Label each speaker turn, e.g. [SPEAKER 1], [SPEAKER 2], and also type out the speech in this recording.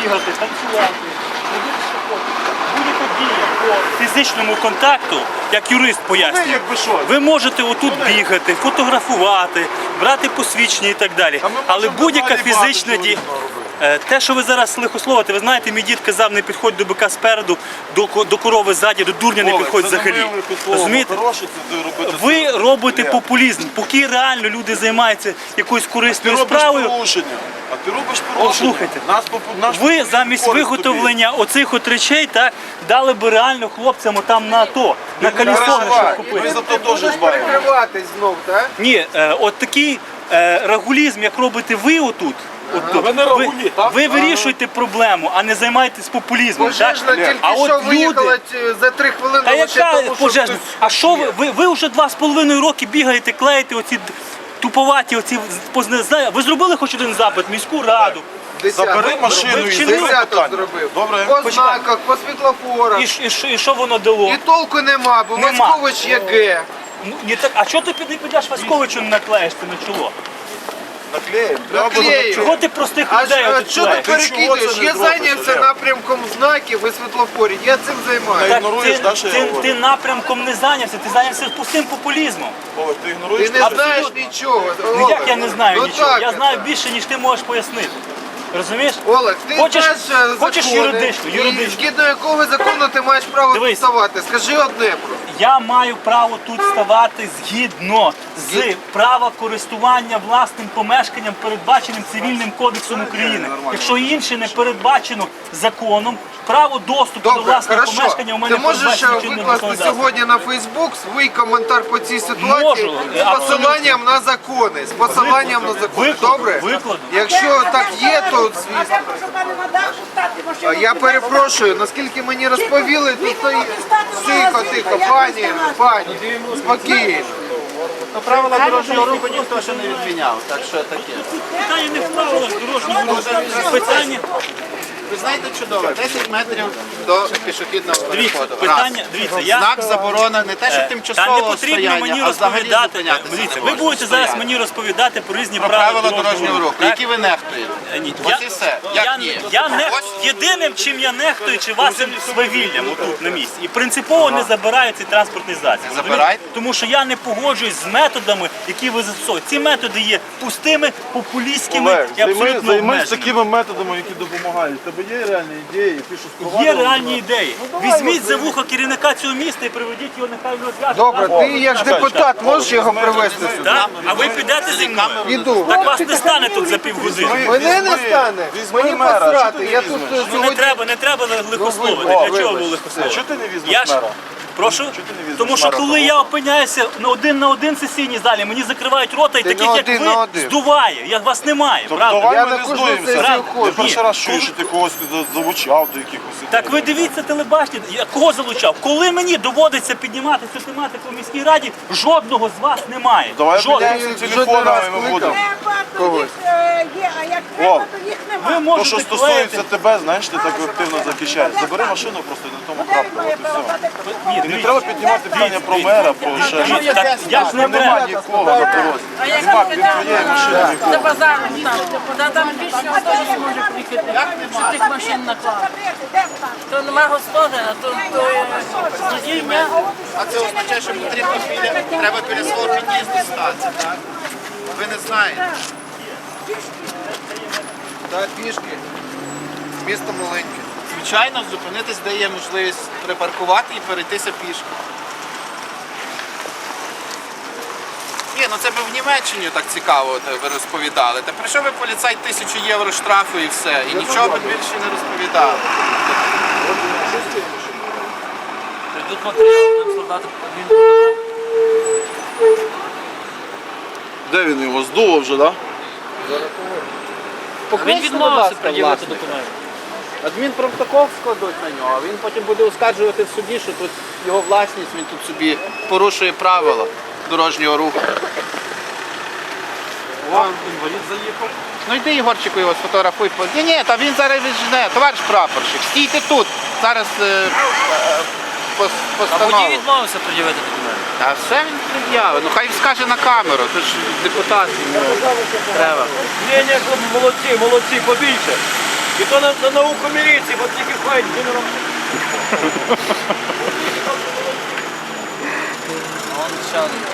[SPEAKER 1] бігати, танцювати, ходити шахотити. Будь-яка дія по фізичному контакту, як юрист пояснює, ви можете отут бігати, фотографувати, брати посвідчення і так далі. Але будь-яка фізична дія... Те, що ви зараз лихословите, ви знаєте, мій дід казав, не підходь до бика спереду, до корови ззаді, до дурня не підходь взагалі. Розумієте? Ви робите популізм, поки реально люди займаються якоюсь корисною справою.
[SPEAKER 2] А ти робиш порушення.
[SPEAKER 1] Слухайте, ви замість виготовлення оцих от речей дали би реально хлопцям там на АТО, на калісони, щоб купити.
[SPEAKER 2] Ми за то теж дбаємо.
[SPEAKER 3] Прикриватись знов, так?
[SPEAKER 1] Ні, от такий рагулізм, як робите ви отут, ви вирішуєте проблему, а не займаєтесь популізмом.
[SPEAKER 3] Пожежна тільки що виїхала за 3 хвилини.
[SPEAKER 1] Та яка пожежна? А що ви вже 2,5 роки бігаєте, клеїте оці туповаті, оці, ви зробили хоч один запит в міську раду?
[SPEAKER 2] Забери машину і займи питання. Добре?
[SPEAKER 3] По знаках, по світлофорах.
[SPEAKER 1] І що воно дало?
[SPEAKER 3] І толку нема, бо Васькович є Г.
[SPEAKER 1] А чого ти не підеш Васьковичу не наклеїш це на чоло?
[SPEAKER 3] Наклею.
[SPEAKER 1] Чого ти простих людей
[SPEAKER 3] А
[SPEAKER 1] тут
[SPEAKER 3] що ти
[SPEAKER 1] клеїш?
[SPEAKER 3] перекидуєш? Я зайнявся напрямком знаків і світлофорів. Я цим займаюся.
[SPEAKER 1] Ти напрямком не зайнявся, ти зайнявся пустим популізмом.
[SPEAKER 3] Ти не знаєш нічого.
[SPEAKER 1] Ну як я не знаю
[SPEAKER 3] Ну
[SPEAKER 1] нічого?
[SPEAKER 3] так
[SPEAKER 1] Я знаю
[SPEAKER 3] це.
[SPEAKER 1] більше, ніж ти можеш пояснити. Розумієш?
[SPEAKER 3] Олег, ти
[SPEAKER 1] Хочеш
[SPEAKER 3] знаєш закони,
[SPEAKER 1] юридично?
[SPEAKER 3] і згідно якого закону ти маєш право тут
[SPEAKER 1] Дивись.
[SPEAKER 3] ставати? Скажи одне про.
[SPEAKER 1] Я маю право тут ставати згідно з права користування власним помешканням, передбаченим Цивільним кодексом України. Якщо інше не передбачено законом, право доступу до
[SPEAKER 3] Добре,
[SPEAKER 1] власного помешкання у мене
[SPEAKER 3] ти можеш
[SPEAKER 1] передбачено чинним
[SPEAKER 3] викласти
[SPEAKER 1] законодавством.
[SPEAKER 3] сьогодні на Фейсбук свій коментар по цій ситуації
[SPEAKER 1] Можу,
[SPEAKER 3] з посиланням на закони. З посиланням на закони.
[SPEAKER 1] Викладу,
[SPEAKER 3] Добре?
[SPEAKER 1] викладу.
[SPEAKER 3] Якщо так є, то звісно.
[SPEAKER 4] Прошу пане на дах, щоб стати машину.
[SPEAKER 3] Я перепрошую, наскільки мені розповіли, то стоїть. Тихо, тихо, пані, спокійно.
[SPEAKER 5] Правила дорожнього руху ніхто ще не відміняв, так що таке.
[SPEAKER 1] Питання не в правилах дорожнього руху. Питання,
[SPEAKER 5] Ви знаєте чудово, 10 метрів до пішохідного переходу.
[SPEAKER 1] дивіться, я...
[SPEAKER 5] Знак заборона не те, що
[SPEAKER 1] Та не
[SPEAKER 5] тимчасового
[SPEAKER 1] потрібно
[SPEAKER 5] стояння,
[SPEAKER 1] мені
[SPEAKER 5] а взагалі
[SPEAKER 1] розповідати.
[SPEAKER 5] зупинятися
[SPEAKER 1] Дивіться,
[SPEAKER 5] не
[SPEAKER 1] ви
[SPEAKER 5] можна,
[SPEAKER 1] будете зараз
[SPEAKER 5] стояти.
[SPEAKER 1] мені розповідати про різні
[SPEAKER 5] Про правила дорожнього
[SPEAKER 1] дорожнього
[SPEAKER 5] руху,
[SPEAKER 1] так?
[SPEAKER 5] які ви нехтуєте.
[SPEAKER 1] Ні,
[SPEAKER 5] Ось і все. Як ні?
[SPEAKER 1] Єдиним, чим я нехтую, чи вашим свавіллям отут на місці. І принципово не забираю цей транспортний засіб.
[SPEAKER 5] Не забирайте?
[SPEAKER 1] Тому що я не погоджуюсь з методами, які ви застосовуєте. Ці методи є пустими, популістськими і абсолютно
[SPEAKER 2] Займись
[SPEAKER 1] обмеженими.
[SPEAKER 2] такими методами, які допомагають. У тебе є реальні ідеї, ти що скували?
[SPEAKER 1] Є реальні ідеї. Візьміть за вухо керівника цього міста і приведіть його, нехай його зв'яжуть.
[SPEAKER 3] Добре, ти як депутат можеш його привезти сюди?
[SPEAKER 1] Так? А ви підете зі мною?
[SPEAKER 3] Іду.
[SPEAKER 1] Так вас не стане тут за півгодини.
[SPEAKER 3] Мене не стане. Мені посрати. Я тут
[SPEAKER 1] Ну
[SPEAKER 3] сьогодні.
[SPEAKER 1] не треба лихословити. Для чого ви лихословити?
[SPEAKER 2] Чого ти не візьмеш
[SPEAKER 1] Я ж
[SPEAKER 2] мера?
[SPEAKER 1] прошу, тому що коли я опиняюся на один сесійній залі, мені закривають рота і
[SPEAKER 3] Ти
[SPEAKER 1] таких
[SPEAKER 3] на
[SPEAKER 1] як
[SPEAKER 3] один на
[SPEAKER 1] ви
[SPEAKER 3] один.
[SPEAKER 1] здуває. Вас немає, правда?
[SPEAKER 2] Давай
[SPEAKER 3] Я
[SPEAKER 2] ми
[SPEAKER 3] на
[SPEAKER 2] не
[SPEAKER 3] кожну
[SPEAKER 2] здуємося.
[SPEAKER 3] сесію
[SPEAKER 2] Я
[SPEAKER 3] ходжу.
[SPEAKER 2] перший раз чую, що ти когось залучав до якихось.
[SPEAKER 1] Так ви дивіться телебачення, я кого залучав? Коли мені доводиться піднімати цю тематику в міській раді, жодного з вас немає.
[SPEAKER 2] Давай
[SPEAKER 1] Жодного.
[SPEAKER 2] поділимося телефонами, ми будемо.
[SPEAKER 4] Треба, то їх є, а як треба, то їх
[SPEAKER 1] Ви
[SPEAKER 4] нема.
[SPEAKER 2] То,
[SPEAKER 1] можете
[SPEAKER 2] що стосується тебе, знаєш, ти так активно захищаєш. Забери машину просто на тому крапку.
[SPEAKER 4] Має
[SPEAKER 2] От і
[SPEAKER 4] право
[SPEAKER 2] все.
[SPEAKER 4] дати
[SPEAKER 1] Ні,
[SPEAKER 2] І не
[SPEAKER 1] дивіться.
[SPEAKER 2] треба піднімати питання про мера, про ще щось.
[SPEAKER 1] Так, я ж не
[SPEAKER 2] Нема
[SPEAKER 1] мер.
[SPEAKER 2] нікого на дорозі. Смак від твоєї машини нікого.
[SPEAKER 6] За базаром там. Там більше автобус не може приїхати, щоб тих машин наклали. То нема господаря, то недільня.
[SPEAKER 5] А це означає, що потрібно треба біля свого під'їзду стати, так? Ви не знаєте.
[SPEAKER 3] Так, пішки. Місто маленьке.
[SPEAKER 5] Звичайно, зупинитись дає можливість припаркувати і перейтися пішки. Ні, ну це би в Німеччині так цікаво ви розповідали. Та прийшов би поліцай 1000 євро штрафу і все. І нічого би більше не розповідали.
[SPEAKER 1] Тут матеріал, будемо складати адмінпротокол.
[SPEAKER 2] Де він його здуло вже, так?
[SPEAKER 1] Він відмовився пред'явити документи.
[SPEAKER 5] Адмінпротокол складуть на нього, а він потім буде оскаржувати в суді, що тут його власність, він тут собі порушує правила дорожнього руху.
[SPEAKER 1] Інвалід заїхав.
[SPEAKER 5] Ну йди, Ігорчику, його сфотографуй. Ні, та він зараз віджене. Товариш прапорщик, стійте тут. Зараз
[SPEAKER 1] А
[SPEAKER 5] постанову.
[SPEAKER 1] водій відмовився пред'явити документи.
[SPEAKER 5] Та все він пред'явить. Ну хай скаже на камеру, це ж депутат йому треба.
[SPEAKER 1] Ні, молодці, побільше.
[SPEAKER 7] І то на науку міліції, бо тільки ходять генерал.
[SPEAKER 6] Он ще один.